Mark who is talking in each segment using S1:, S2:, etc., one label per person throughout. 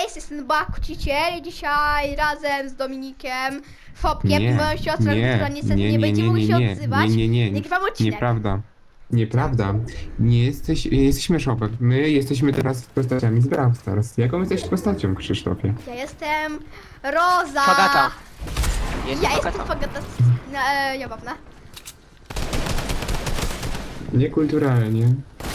S1: Cześć, jestem Bakuciciel i dzisiaj razem z Dominikiem, Fopkiem i
S2: Nie,
S1: moją siostrą, która niestety nie
S2: nie,
S1: będzie
S2: nie,
S1: mogła
S2: nie,
S1: się
S2: nie,
S1: odzywać.
S2: nie,
S1: Nagrywam odcinek.
S2: nieprawda. Nieprawda. Nie jesteśmy Shopek. My jesteśmy teraz postaciami z Brawl Stars. Jaką jesteś postacią, Krzysztofie?
S1: Ja jestem Roza.
S3: Fagata.
S1: Ja jestem Fagata. Jabawna.
S2: Niekulturalnie.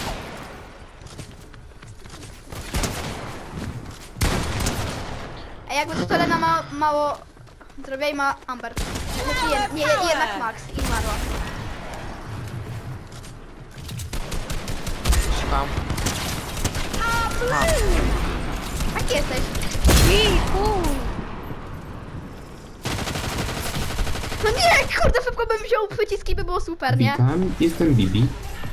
S1: A jakby to Lena mało zrobiła i ma Amber. Znaczy jednak Max i Marła.
S3: Szukam.
S1: Jaki jesteś? No nie, kurde, szybko bym wziął przyciski, by było super, nie?
S2: Witam, jestem Bibi.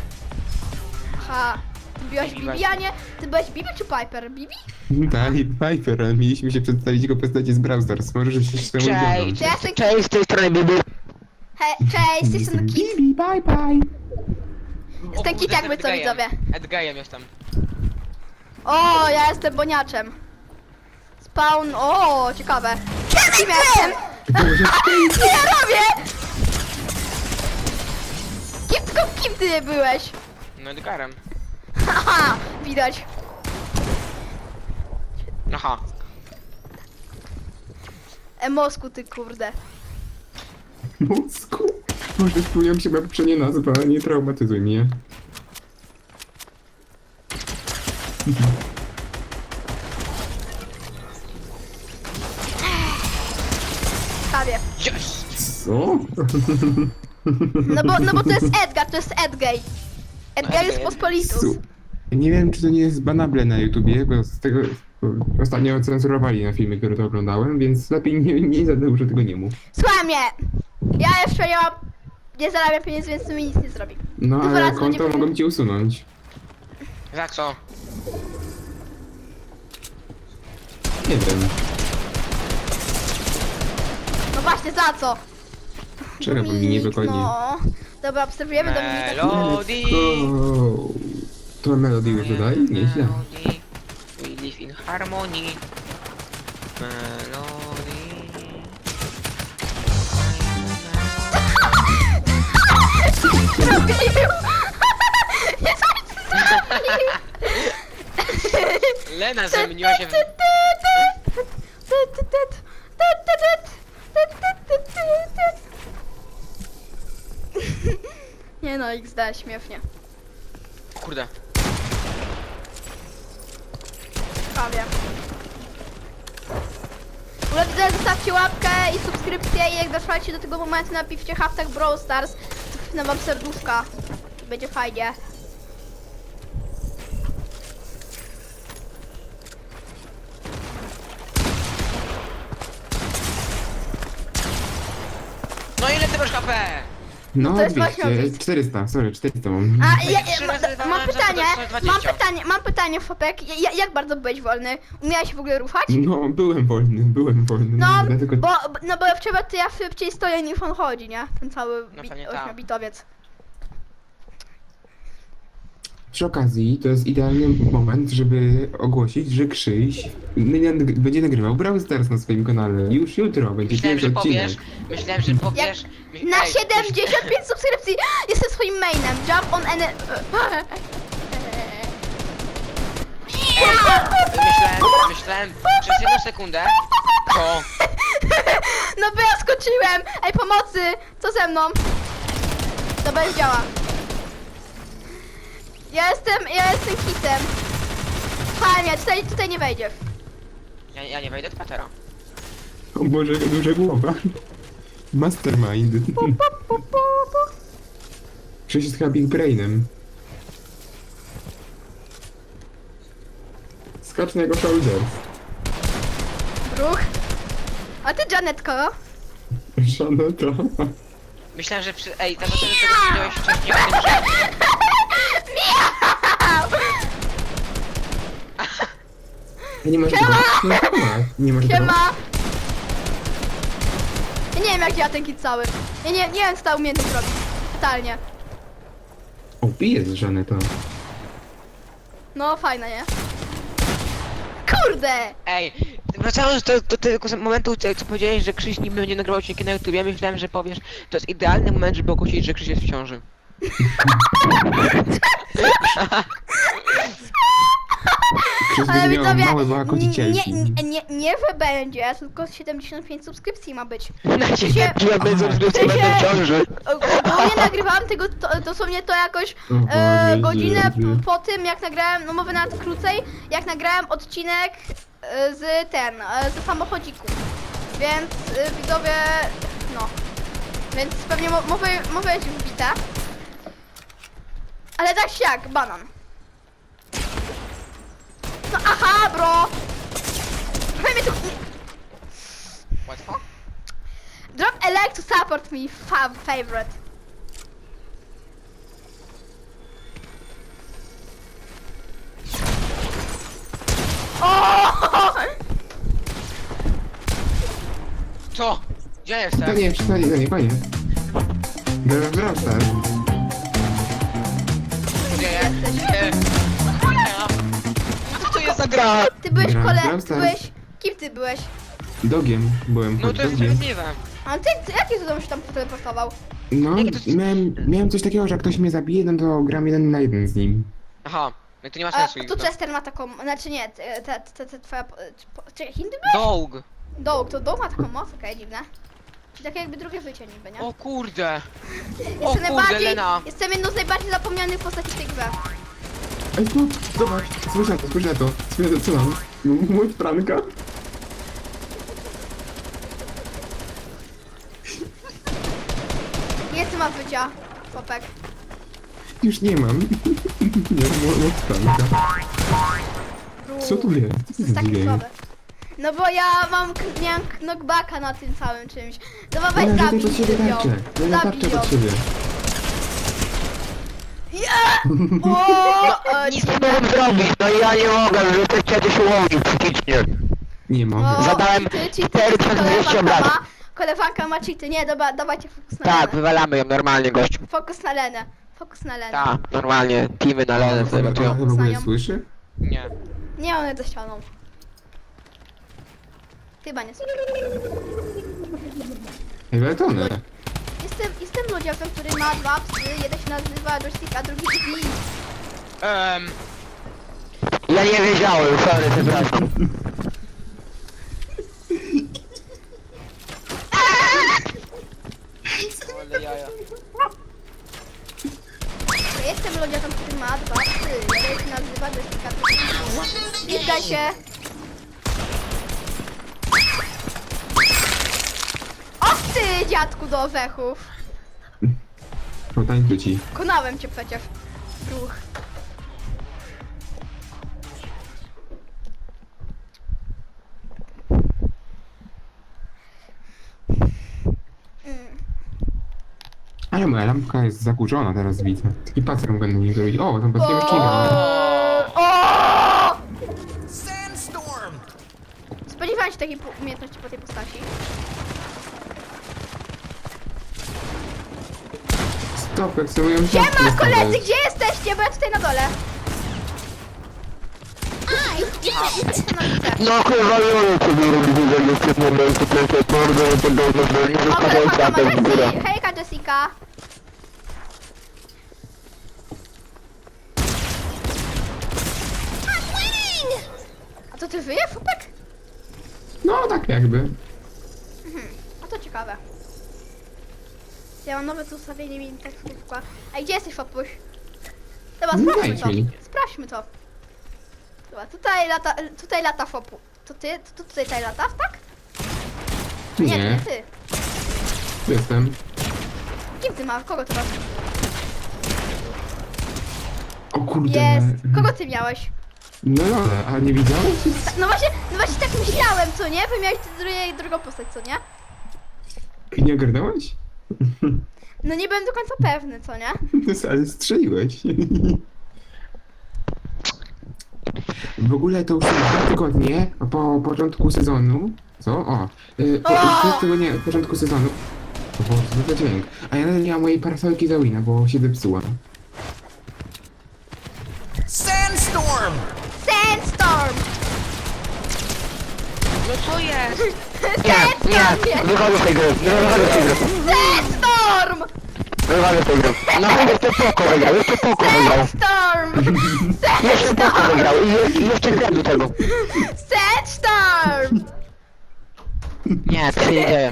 S1: Aha. Byłaś Bibi, a nie? Ty byłaś Bibi czy Piper? Bibi?
S2: Tak, Piper, ale mieliśmy się przedstawić jako postacie z Brawl Stars. Możesz się z tym
S3: Cześć.
S2: udzielać.
S1: To ja jestem...
S3: Cześć, z tej strony Bibi.
S1: Cześć, jestem Kit.
S2: Bibi, bye bye.
S1: Jestem Kit, jakby co widzowie.
S3: Edgejem jestem.
S1: O, ja jestem Boniaczem. Spawn, o, ciekawe. Kim jestem?
S2: Boże,
S1: Co ja robię? Kim ty byłeś?
S3: No Edgarem.
S1: Haha, widać.
S3: Aha.
S1: Mosku, ty kurde.
S2: mózgu. Może spełniam się poprzednie nazwa, nie traumatyzuj mnie.
S1: Prawie.
S3: Yes!
S2: Co?
S1: No bo to jest Edgar, to jest Edgay. Edgar jest pospolitus.
S2: Nie wiem, czy to nie jest banable na YouTubie, bo z tego ostatnio cenzurowali na filmy, które to oglądałem, więc lepiej nie za dużo tego nie mów.
S1: Słuchaj mnie. Ja jeszcze nie zarabiam pieniędzy, więc mi nic nie zrobi.
S2: No
S1: Dwa
S2: ale
S1: razy
S2: konto
S1: nie-
S2: mogą ci usunąć.
S3: Za co?
S2: Nie wiem.
S1: No właśnie, za co?
S2: Czego powinni nie wygodnie?
S1: No. Dobra, obserwujemy Dominika.
S3: Melody.
S2: Go. To melody już dodaj? Nieźle.
S3: Melody. We live in harmony. Melody.
S1: Zrobił!
S3: Lena zamieniła się w...
S1: Nie no, XD, śmiesznie.
S3: Kurde.
S1: Prawie. W ogóle widzę, zostawcie łapkę i subskrypcję i jak dotrwacie do tego momentu, napiszcie hashtag Brawl Stars, to wpnę wam serduszka. Będzie fajnie.
S3: No ile ty masz HP?
S2: No,
S1: to jest
S2: 200,
S1: właśnie-
S2: 400, sorry, 400 mam.
S1: A
S3: Trzy razy
S1: mam
S3: walnąłem,
S1: pytanie,
S3: żeby dostać 20.
S1: mam pytanie, Fopek. Jak bardzo byłeś wolny? Umiałeś w ogóle ruszać?
S2: No, byłem wolny.
S1: No,
S2: Dlatego...
S1: bo wczoraj to ja szybciej stoję niż on chodzi, nie? Ten cały
S3: No pewnie tak.
S1: 8-bitowiec.
S2: Przy okazji, to jest idealny moment, żeby ogłosić, że Krzyś będzie nagrywał Brawl Stars na swoim kanale. Już jutro będzie
S3: Myślałem,
S2: pierwszy
S3: że
S2: odcinek.
S3: powiesz. Myślałem, że powiesz.
S1: Na
S3: Ej,
S1: 75 subskrypcji jestem swoim mainem. Jump on any...
S3: Myślałem przez jedną sekundę, to
S1: No bo ja skoczyłem! Ej, pomocy! Co ze mną? To bez działa. Ja jestem hitem. Fajnie, tutaj nie wejdziesz.
S3: ja nie wejdę do patera.
S2: O Boże, jaka duża głowa. Mastermind. Krzyś jest chyba Big Brainem. Skacz na jego shoulders.
S1: Ruch. A ty, Janetko?
S2: Żaneta.
S3: Myślałem, że przy... Ej, tego powiedziałeś wcześniej o tym, że...
S2: Nie masz
S1: Siema!
S2: tego? Nie masz tego?
S1: Siema! Ja nie wiem jak ja ten kit cały. Ja nie wiem co ta umiejętność robi. Totalnie.
S2: O, pijesz Żaneta.
S1: No fajne, nie? Kurde! Kurde!
S3: Ej, wracając do tego momentu, co powiedziałeś, że Krzyś nie będzie nagrywał odcinki na YouTube, ja myślałem, że powiesz, to jest idealny moment, żeby ogłosić, że Krzyś jest w ciąży.
S2: Krzyś
S1: Ale
S2: będzie miał
S1: widzowie,
S2: małe kocicielki.
S1: nie że będzie, tylko 75 subskrypcji ma być.
S3: Na
S1: się-
S3: ciebie będę subskrypcji, będę w ciąży.
S1: Ogólnie nagrywałam tego, dosłownie to jakoś
S2: O Boże,
S1: godzinę
S2: Jezu.
S1: po tym, jak nagrałem, no mówię nawet krócej, jak nagrałem odcinek z samochodziku. Więc widzowie, no. Więc pewnie może jest już wbite. Ale tak się jak, banan. No aha, bro! Trochę mnie tu...
S3: Łatwo?
S1: Drop a like to support me, favorite. O!
S3: Co? Gdzie
S2: To
S3: jestem?
S2: nie, przestań, to nie, koniec. Brawl Stars.
S3: Gdzie jest? Co to jest za gra?
S1: Ty byłeś
S2: Brawl
S1: ty
S2: Stars.
S1: byłeś... Kim ty byłeś?
S2: Dogiem byłem,
S3: No to jest
S2: dogiem.
S3: sprawiedliwe.
S1: A ty jaki cudem się tam teleportował?
S2: No,
S3: Jakie to-
S2: miałem coś takiego, że jak ktoś mnie zabije, no to gram 1 na 1 z nim.
S3: Aha, no to nie ma
S1: A
S3: sensu.
S1: tu Chester ma taką... Znaczy nie, twoja... Czekaj, Hindu byłeś?
S3: Dog.
S1: Dołg ma taką moc, okej, dziwne. Czyli takie jakby drugie życie niby, nie?
S3: O kurde.
S1: Jestem jedną z najbardziej zapomnianych postaci w tej grze.
S2: Ej, tu, zobacz, spójrz na to, co mam? Mój franka?
S1: Jest ma wycia, chłopek.
S2: Już nie mam. Nie mam mój franka. Co tu jest?
S1: To jest takie słabe. No bo ja miałem knockbacka na tym całym czymś. No bo weź
S2: Ale
S1: zabij
S2: pod siebie
S1: ją.
S2: tarczę. Ja
S1: Zabij
S2: tarczę
S1: ją.
S2: pod siebie.
S3: Nic nie mogłem zrobić, no i ja nie mogę, że to chciałem się ułożyć psychicznie.
S2: Nie mogę.
S1: O,
S3: Zadałem
S1: cheaty,
S3: 4200 obrażeń.
S1: Koleżanka ma cheaty. Nie, dobra, dawajcie fokus na
S3: Tak,
S1: Lenę.
S3: wywalamy ją normalnie, gościu.
S1: Fokus na Lenę. Fokus na Lenę.
S3: Tak, normalnie, teamy na lenę sobie
S2: Ona
S3: latują.
S2: w ogóle
S1: Znają.
S2: słyszy?
S3: Nie.
S1: Nie, one za ścianą. Chyba nie słyszę.
S2: Ej, ale to one.
S1: Jestem ludziakiem, który ma dwa psy. Jeden się nazywa joystick, a drugi drzwi.
S3: Ja nie wiedziałem, sorry, przepraszam. Ale jaja.
S1: Ja jestem ludziakiem, który ma dwa psy. Jeden się nazywa joystick, a drugi drzwi. Nie zda się. O ty, dziadku do orzechów.
S2: Potańczy ci.
S1: Konałem cię przecież. Ruch.
S2: Ale moja lampka jest zakurzona teraz widzę. Taki pacer mogę na niej zrobić. O, tam patrzcie odcinka.
S1: O!
S4: Sandstorm!
S1: Spodziewałem się takiej umiejętności po tej postaci.
S2: Stop, jak sobie ją
S1: Siema koledzy, gdzie jesteście? Bo ja tutaj na dole. Jestem na górze.
S3: No chyba nie sobie robię, że jest w tym momencie, to jest bardzo podobne, że nie
S1: O,
S3: zostawiam
S1: koleżanka ma
S3: się w górę.
S1: Jessie. Hejka Jessica. A to ty żyje, chłopak?
S2: No, tak jakby.
S1: A to ciekawe. Ja mam nowe tu ustawienie mi tak szybko. A gdzie jesteś, Fopuś? Dobra,
S2: No
S1: sprawdźmy
S2: wejdź
S1: to.
S2: mi.
S1: Sprawdźmy to. Dobra, tutaj lata Fopu. To ty? To tutaj latasz, tak? Nie, to nie
S2: Nie,
S1: ty.
S2: jestem.
S1: Kim ty masz? Kogo ty masz?
S2: O kurde.
S1: Jest. Kogo ty miałeś?
S2: No, a nie widziałeś?
S1: No właśnie tak myślałem, co nie? Wy miałeś drugą postać, co nie?
S2: I nie ogarnąłeś?
S1: No nie byłem do końca pewny, co nie?
S2: Ale strzeliłeś. W ogóle to już są 2 tygodnie po początku sezonu. Co? O! Po tygodnie od początku sezonu. O Boże, co za dźwięk. A ja nawet nie mam mojej parasolki za Wina, bo się zepsuła.
S4: Sandstorm!
S1: Sandstorm!
S3: No co jest?
S1: Sandstorm!
S3: Wychodzę z tej gry, wychodzę z tej gry.
S1: Sandstorm!
S3: Wychodzę z tej gry. No jeszcze Poko wygrał, jeszcze Poko wygrał.
S1: Sandstorm!
S3: Jeszcze Poko wygrał i jeszcze gram do tego.
S1: Sandstorm!
S3: Nie, to się nie dzieje.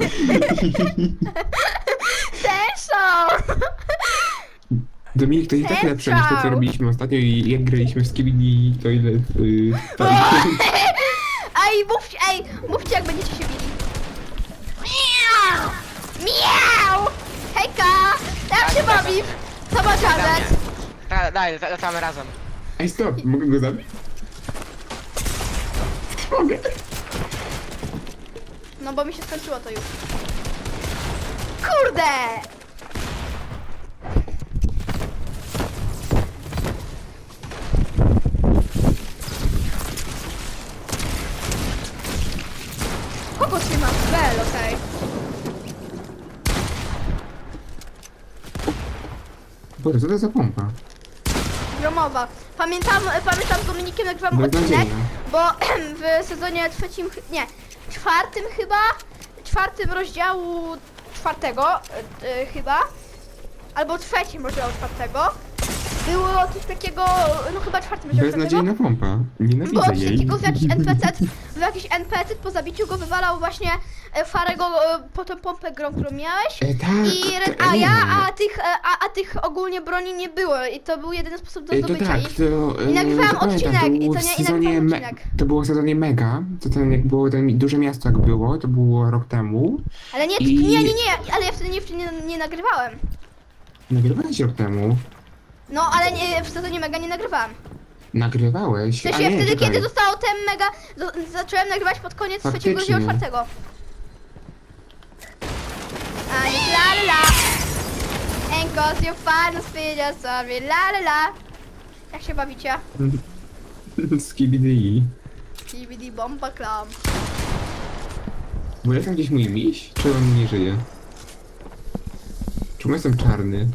S1: Sandstorm!
S2: Dominik, to i tak lepsze niż to, co robiliśmy ostatnio i jak graliśmy w Skibidi Toilet.
S1: Mówcie jak będziecie się bili. Miau! Miau! Hejka! Jak się bawisz? Co ma gadać?
S3: Daj, latamy razem.
S2: Ej, stop, mogę go zabić? Mogę.
S1: No bo mi się skończyło to już. Kurde! Kogo trzymasz? Bel, okej.
S2: Boże, co to za pompa?
S1: Gromowa. Pamiętam z Dominikiem nagrywam odcinek,
S2: Beznadziejna.
S1: bo w sezonie trzecim, nie, czwartym rozdziału czwartego chyba, albo trzecim rozdziału czwartego, było coś takiego, no chyba czwartym rozdziału czwartego,
S2: Beznadziejna pompa.
S1: było
S2: Nienawidzę
S1: coś
S2: jej.
S1: takiego, że jakiś NPC po zabiciu go wywalał właśnie Farego po tą pompę grą, którą miałeś.
S2: Tak,
S1: I
S2: to
S1: Red Aya,
S2: nie.
S1: a tych ogólnie broni nie było i to był jedyny sposób do
S2: To
S1: zdobycia
S2: tak,
S1: ich.
S2: to...
S1: I nagrywałam
S2: to pamiętam,
S1: odcinek,
S2: to
S1: i
S2: było
S1: to
S2: w
S1: nie- i
S2: sezonie
S1: nagrywałam odcinek.
S2: To było w sezonie Mega, to ten jak było ten duże miasto jak było, to było rok temu.
S1: Ale nie,
S2: I-
S1: nie, ale ja wtedy nie nagrywałem.
S2: Nagrywałeś rok temu.
S1: No, ale nie, w sezonie Mega nie nagrywałam.
S2: Nagrywałeś.
S1: W sensie
S2: A nie,
S1: wtedy,
S2: czekaj.
S1: kiedy zostało ten Mega, zacząłem nagrywać pod koniec trzeciego
S2: Faktycznie.
S1: rozdziału czwartego. A nie la la la. And cause your final speed, sorry, la la la. Jak się bawicie?
S2: Skibidi.
S1: DVD bomba klam.
S2: Bo jest tam gdzieś mój miś? Czy on nie żyje? Czemu jestem czarny?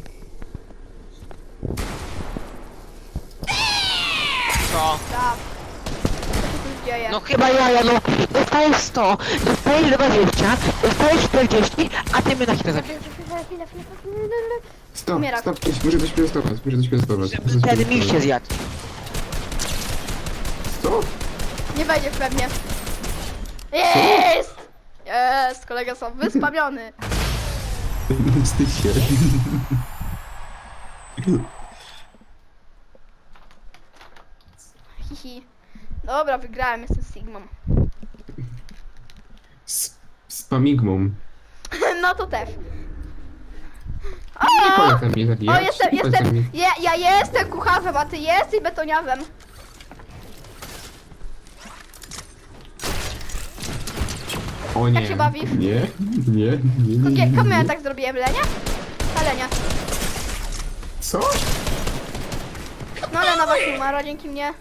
S3: Co?
S1: Tak. Co się tu dzieje?
S3: No chyba ja, no. Dostajesz 100, dostajesz 20, dostajesz 40, a ty mnie na chwilę zabijesz.
S2: Stop,
S1: Umiera.
S2: stop, muszę coś pilostować, muszę coś pilostować.
S3: Żeby ten miś się zjadł.
S2: Stop!
S1: Nie wejdziesz pewnie. Jest! Jest! Kolega są wyspamiony.
S2: Wstydź się.
S1: Hihi. Dobra, wygrałem, jestem Sigmą.
S2: Z pamigmą.
S1: No to też.
S2: Nie
S1: O!
S2: polecam mnie zabijać.
S1: O, jestem,
S2: nie polecam mnie.
S1: ja jestem kucharzem, a ty jesteś betoniarzem.
S2: O nie.
S1: Jak się bawisz?
S2: Nie.
S1: Komu ja tak zrobiłem, Lenia? A Lenia.
S2: Co?
S1: No Lena właśnie umarła dzięki mnie.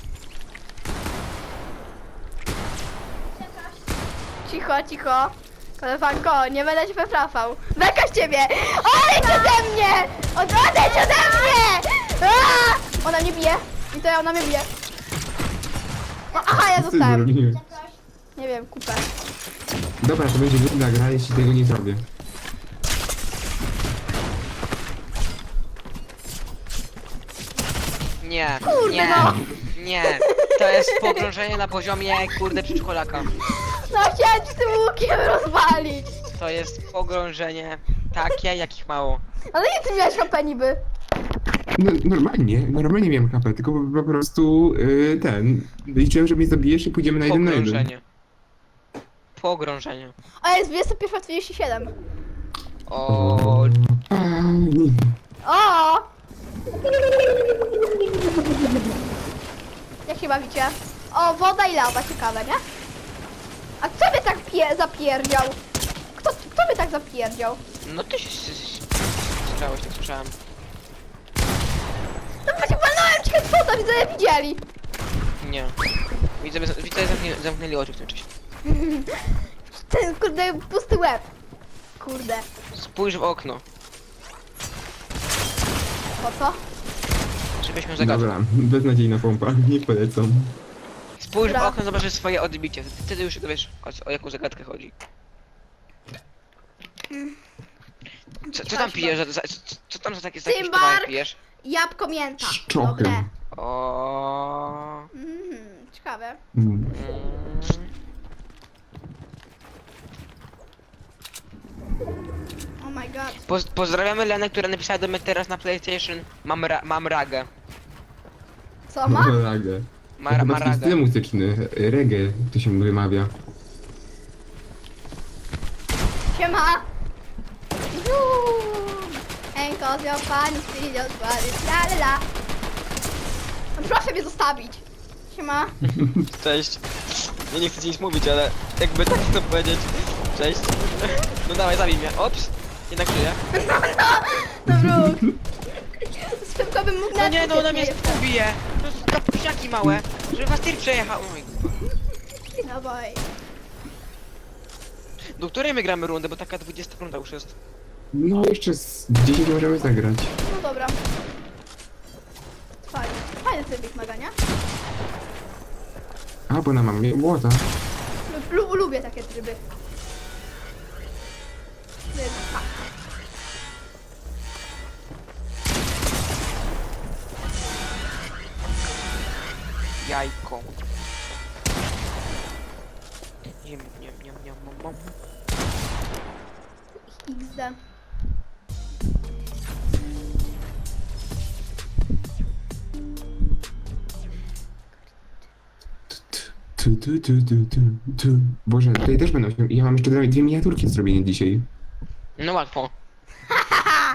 S1: Cicho. Koleżanko, nie będę cię wypraszał. Beka z ciebie! Odejdź ode mnie! Odejdź ode mnie! Aaa! Ona mnie bije. I to ja, ona mnie bije. No, aha, ja
S2: Co ty
S1: dostałem.
S2: zrobiłeś?
S1: Nie wiem, kupę.
S2: Dobra, to będzie nudna gra, jeśli tego nie zrobię.
S3: Nie,
S1: Kurde,
S3: nie,
S1: no.
S3: nie. To jest pogrążenie na poziomie, kurde, przedszkolaka.
S1: No chciałem ci tym łukiem rozwalić.
S3: To jest pogrążenie takie, jakich mało.
S1: Ale nie ty miałeś HP niby.
S2: No, normalnie miałem kapę, tylko po prostu liczyłem, że mnie zabijesz i pójdziemy na 1 na 1.
S3: Pogrążenie. Pogrążenie.
S1: A jest 21:47.
S3: O,
S2: Pani.
S1: O! Jak się bawicie? O, woda i lawa, ciekawe, nie? A kto by tak zapierdział? Kto by tak zapierdział?
S3: no ty się słyszałeś, tak słyszałem.
S1: No właśnie walnąłem cię kwota, widzowie widzieli.
S3: Nie. Widzę, zamknęli oczy w tym czasie.
S1: Ten kurde pusty łeb. Kurde.
S3: Spójrz w okno,
S1: Po co?
S3: żebyśmy zagadli.
S2: Dobra, beznadziejna pompa, nie polecam.
S3: Spójrz w
S1: Dobra.
S3: okno, zobaczysz swoje odbicie. Wtedy już wiesz, o jaką zagadkę chodzi. Co tam pijesz? Co tam za takie
S1: Cymbark!
S3: sztywary pijesz?
S1: Jabłko mięta.
S2: Szczochy.
S1: Dobre.
S3: O.
S1: Ciekawe.
S2: Mm.
S1: Oh my god.
S3: Pozdrawiamy Lenę, która napisała do mnie teraz na PlayStation. Mam ragę.
S1: Co ma?
S2: Ragę.
S3: Ma
S2: Chyba taki
S3: ragę.
S2: styl muzyczny. Reggae to się wymawia.
S1: Siema! Enkozio, pani, stylios, la la la. No proszę mnie zostawić. Siema.
S3: Cześć. Ja nie chcę ci nic mówić, ale jakby tak chcę powiedzieć. Cześć. No dawaj, zabij mnie. Ops. Jednak żyję.
S1: No wróg. Szybko bym mógł
S3: No nie, no ona mnie
S1: jeszcze.
S3: pobije. To są kapuśniaki małe. Żeby was tir przejechał. Oj.
S1: No boj.
S3: Do której my gramy rundę, bo taka 20 runda już jest.
S2: No jeszcze z 10 możemy zagrać.
S1: No dobra. Fajnie. Fajny tryb wymagania.
S2: A, bo na mamie błota.
S1: Lubię takie tryby. Więc tak.
S3: Jajko. Mom.
S1: XD.
S2: Tu. Boże, tutaj też będą się... Ja mam jeszcze dwie miniaturki do zrobienia dzisiaj.
S3: No łatwo.
S2: Aha.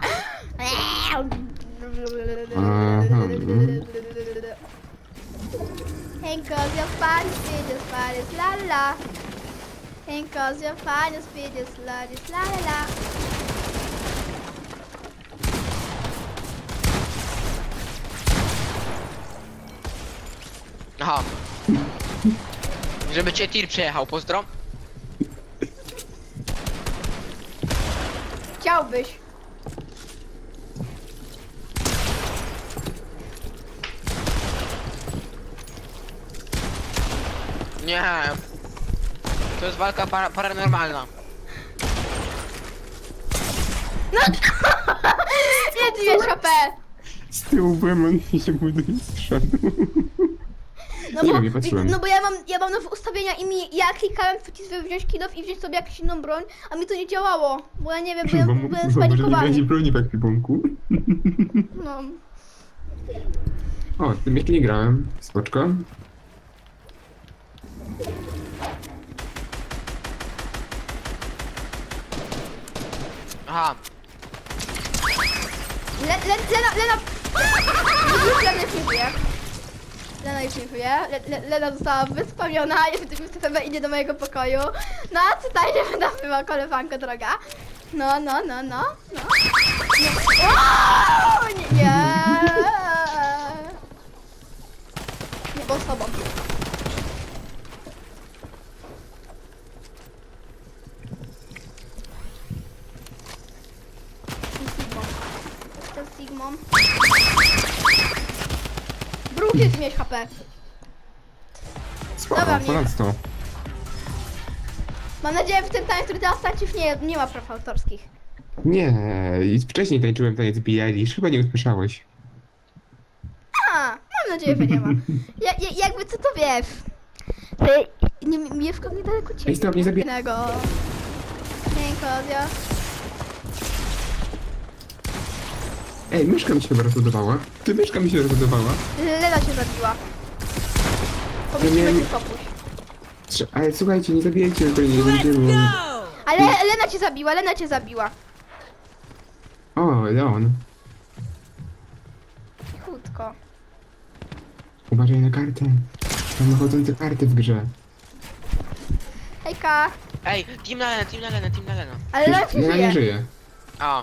S1: Henko's your finest videos, finest la la. Henko's your finest videos, la la la.
S3: Aha. Żeby cię tir przejechał, pozdro.
S1: Chciałbyś.
S3: Nie. To jest walka paranormalna.
S1: Nie 2 HP.
S2: Z tyłu byłem, on mi się buduje strzał.
S1: No
S2: Nie
S1: bo,
S2: wiem, nie patrzyłem.
S1: no bo ja mam nowe ustawienia i ja klikałem żeby wziąć kilof i wziąć sobie jakąś inną broń, a mi to nie działało, bo ja nie wiem, byłem
S2: Może nie
S1: spanikowany.
S2: będzie broni w ekwipunku.
S1: No.
S2: O, tym jeszcze nie grałem. Spoczko.
S3: Aha.
S1: Lena... Już Lena już nie żyje. Lena już nie żyje. Lena została wyspamiona, jest TPB idzie do mojego pokoju. No, tutaj nie będę była koleżanko droga. No. O, nie. Nie, bo z tobą. To z Sigmą. Bruk jest mieć HP.
S2: Spoko,
S1: Dobra, mnie.
S2: ponad 100.
S1: Mam nadzieję, że w tym tańcu, który teraz tańczysz, nie ma praw autorskich.
S2: Nie, i wcześniej tańczyłem taniec Billie Eilish, chyba nie usłyszałeś.
S1: Mam nadzieję, że nie ma. Jakby co to wiesz? Mieszkam niedaleko ciebie.
S2: Ej, stop, nie zabij-
S1: Innego. Kozio.
S2: Ej, myszka mi się chyba rozładowała. Ty, myszka mi się rozładowała.
S1: Lena się zabiła.
S2: Ja
S1: Pomyślimy
S2: miałem-
S1: ci popuś.
S2: Ale słuchajcie, nie zabijajcie go, nie będziemy.
S1: Ale Lena cię zabiła.
S2: O, Leon.
S1: Cichutko.
S2: Uważaj na kartę. Mamy chodzące karty w grze.
S1: Hejka.
S3: Ej, team na Lena.
S1: Ale Lena się
S2: Ja nie
S1: żyje.
S2: żyję.
S3: A.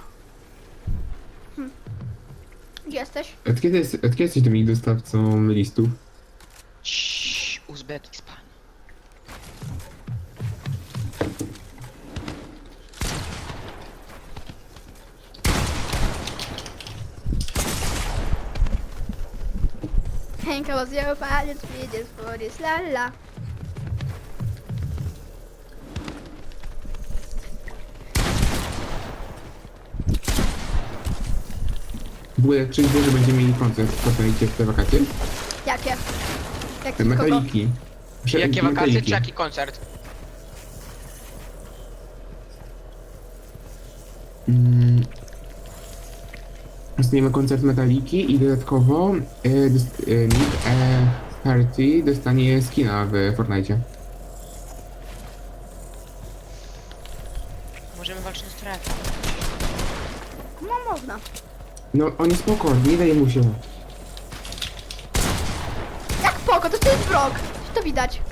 S1: Gdzie jesteś?
S2: Od kiedy jesteś tymi dostawcą listów?
S3: Uzbekistan.
S1: Henka was your pilot, we just for this la la.
S2: W ogóle czy wie, że będziemy mieli koncert w Fortnite w te wakacje?
S1: Jakie? Jakie
S2: Te
S1: kogo?
S2: metaliki.
S3: Jakie wakacje
S2: Metaliki.
S3: czy jaki koncert?
S2: Dostaniemy koncert Metaliki i dodatkowo Nick Party dostanie skina w Fortnite.
S3: Możemy walczyć na strefie.
S1: No można.
S2: No on jest spoko, nie daje mu się.
S1: Jak poko, to jest wrog. To widać.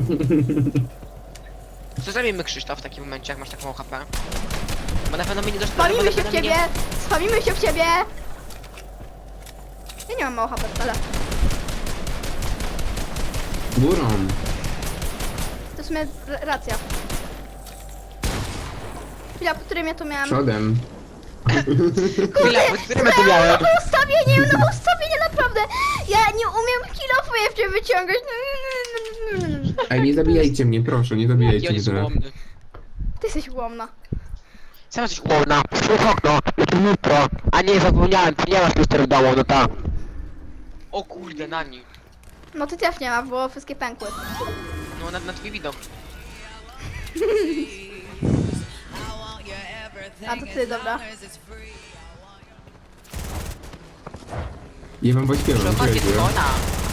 S3: Co zrobimy, Krzysztof, w takim momencie, jak masz taką HP? Bo na pewno mnie nie dostanie.
S1: Spamimy się w ciebie! Spamimy się w ciebie! Ja nie mam mało HP wcale.
S2: Górą.
S1: To w sumie racja. Chwila, po którym ja tu miałam...
S2: Przodem.
S3: Chwila, pod którym ja to miałem?
S1: No ustawienie naprawdę! Ja nie umiem kilofuje w ciebie wyciągać.
S2: Ej, nie zabijajcie mnie, proszę, nie zabijajcie
S3: Jaki on
S2: mnie
S3: jest
S2: teraz.
S3: ułomny.
S1: Ty jesteś łomna.
S3: Sam jesteś ułomna. Spójrz okno, to jutro. A nie, zapomniałem, ty nie masz mister w domu, no tak. O kurde, na nim.
S1: No ty też nie ma, bo wszystkie pękły.
S3: No, na twój widok.
S1: A to ty, dobra.
S2: Ja wam
S3: Przy
S2: pośpiewam,
S3: okazji
S2: czekajcie.
S3: ona.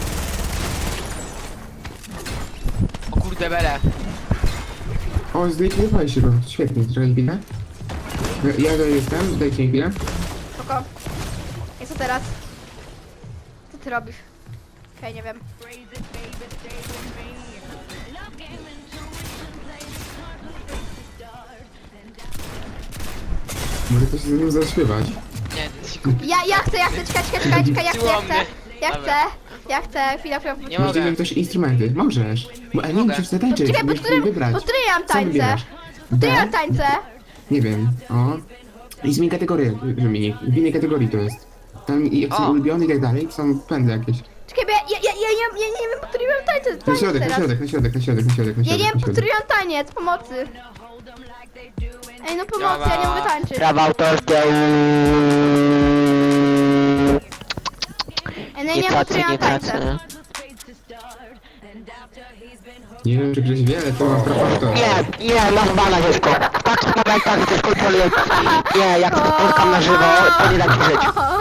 S3: O kurde, bele.
S2: O, zlikwidowałeś się go. Świetnie, czekaj chwilę. Ja to jestem, dajcie mi chwilę.
S1: Spoko. I co teraz? Co ty robisz? Okej, nie wiem.
S2: Może ktoś ze mną zaśpiewać.
S3: Nie, ty się kupi.
S1: Ja chcę, czekaj, ja chcę, chwila,
S3: Nie
S2: Może
S3: mogę.
S2: wiem też instrumenty. Możesz. Bo, ale nie
S3: Mogę.
S2: musisz zatańczyć,
S1: Czekaj,
S2: musisz wybrać.
S1: pod którym ja mam
S2: Co
S1: tańce?
S2: wybierasz?
S1: Pod którym ja
S2: B?
S1: mam tańce?
S2: Nie wiem. O. I zmień kategorię, wymienię. W innej kategorii to jest. Tam jak są
S3: O.
S2: ulubione i tak dalej, są pędy jakieś.
S1: Czekaj, bo ja nie wiem, pod którym ja mam tańce.
S2: Na
S1: Taniec
S2: środek, na
S1: teraz.
S2: środek, na środek, na środek, na środek, na
S1: Ja nie
S2: środek.
S1: wiem,
S2: na
S1: pod którym
S2: środek.
S1: ja mam taniec, pomocy. Ej, no pomocy, ja nie mogę tańczyć.
S3: Prawa autorskie.
S1: Ej, no ja nie wiem, pod którym ja mam tańce.
S2: Nie wiem, czy Grześ wie, ale to ma prawo to.
S3: Nie, masz bana, dziecko. Patrz na bajkach, to kontroluję. Nie, jak to spotkam na żywo, to nie da ci żyć.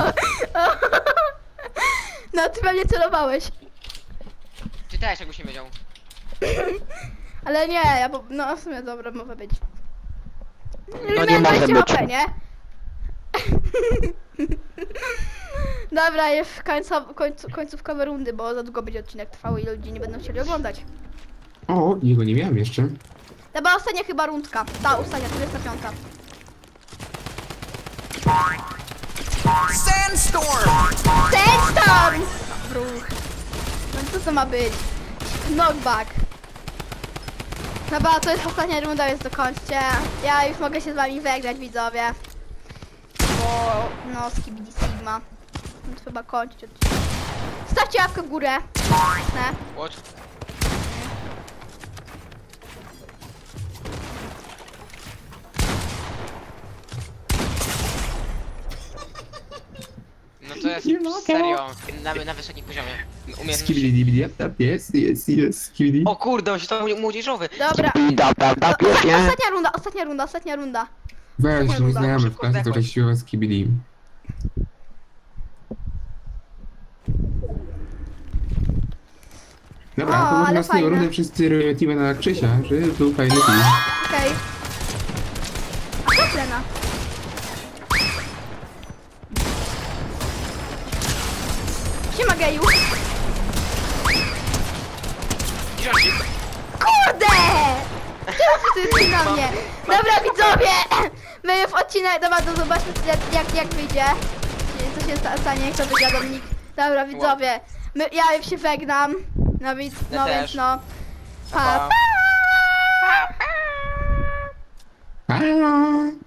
S1: No, ty pewnie celowałeś.
S3: Ty też, jakbyś nie wiedział.
S1: Ale nie, no w sumie dobra, może być.
S3: No nie może być.
S1: HP, nie? Dobra, jest końcówkowe rundy, bo za długo będzie odcinek trwał i ludzie nie będą chcieli oglądać.
S2: O, jego nie miałem jeszcze.
S1: Dobra, ostatnia chyba rundka. Ta, ostatnia, 45.
S4: Sandstorm!
S1: Sandstorm! Bruch. No co to ma być? Knockback. Dobra, to jest ostatnia runda, więc dokończcie. Ja już mogę się z wami wygrać, widzowie. Bo, no, skibidi sigma. No to chyba kończyć odcinek. Stawcie łapkę w górę. Ne?
S3: What? No to jest
S2: Nie mogę.
S3: serio, na wysokim poziomie umiejętności.
S2: Skibidi dibidi, jest, skibidi.
S3: O kurde, on się to młodzieżowy.
S1: Dobra. Ostatnia runda.
S2: Weź, mój
S3: Szybko,
S2: znajomy w
S3: szybko
S2: klasie to
S3: zdechłeś.
S2: właściwie skibidi. Dobra,
S1: O,
S2: to może
S1: ale
S2: na ostatnią
S1: fajne.
S2: rundę wszyscy lecimy na Krzysia, że był fajny film.
S1: Okej. A co Lena? Siema geju.
S3: Książki.
S1: Kurde! Teraz ty jesteś na mnie. Dobra widzowie! My w odcinek, dobra, to zobaczmy jak wyjdzie. Co się stanie, jak to wygra Dominik. Dobra widzowie, ja już się żegnam. No więc,
S3: Ja
S1: więc
S3: też.
S1: no.
S3: Pa.
S1: Pa, pa.
S2: Halo!